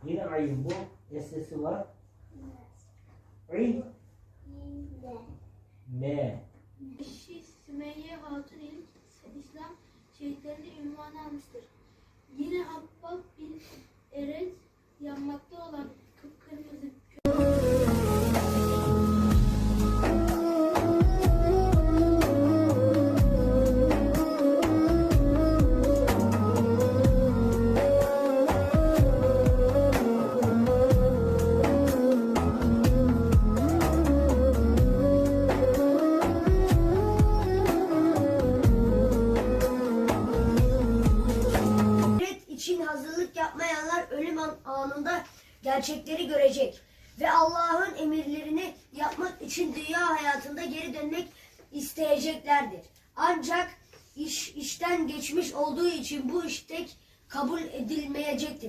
Yine ayın bu. Sesi var. İ. M. Eşi Sümeyye Hatun İslam şehitlerinde ünvanı almıştır. Yine Habbab bin Eret yanmakta olan kıpkırmızı için hazırlık yapmayanlar ölüm anında gerçekleri görecek ve Allah'ın emirlerini yapmak için dünya hayatında geri dönmek isteyeceklerdir. Ancak işten geçmiş olduğu için bu istek kabul edilmeyecektir.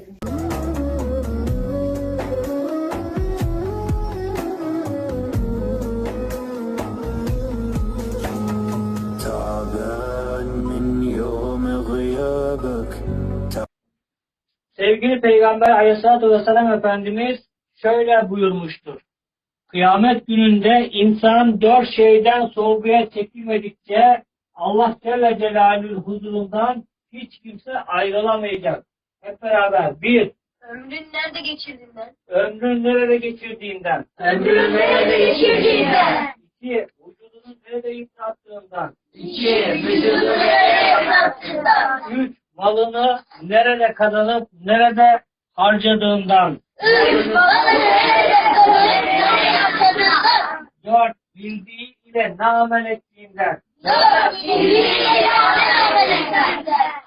Sevgili Peygamber Aleyhisselatü Vesselam Efendimiz şöyle buyurmuştur. Kıyamet gününde insan 4 şeyden sorguya çekilmedikçe Allah Celle Celaluhu'nun huzurundan hiç kimse ayrılamayacak. Hep beraber. 1. ömrün nerede geçirdiğinden. Ömrün nerede geçirdiğinden. Ömrün nerede geçirdiğinden. 2. Vücudunu nerede yıprattığından. 2. Vücudunu nerede yapattığından. 3. Malını nerede kazanıp nerede harcadığından. 3. Malını nerede kazanıp nerede yaptığından. 4. Bildiği ile ne amel ettiğinden. 4. Bildiğiyle amel ettiğinden.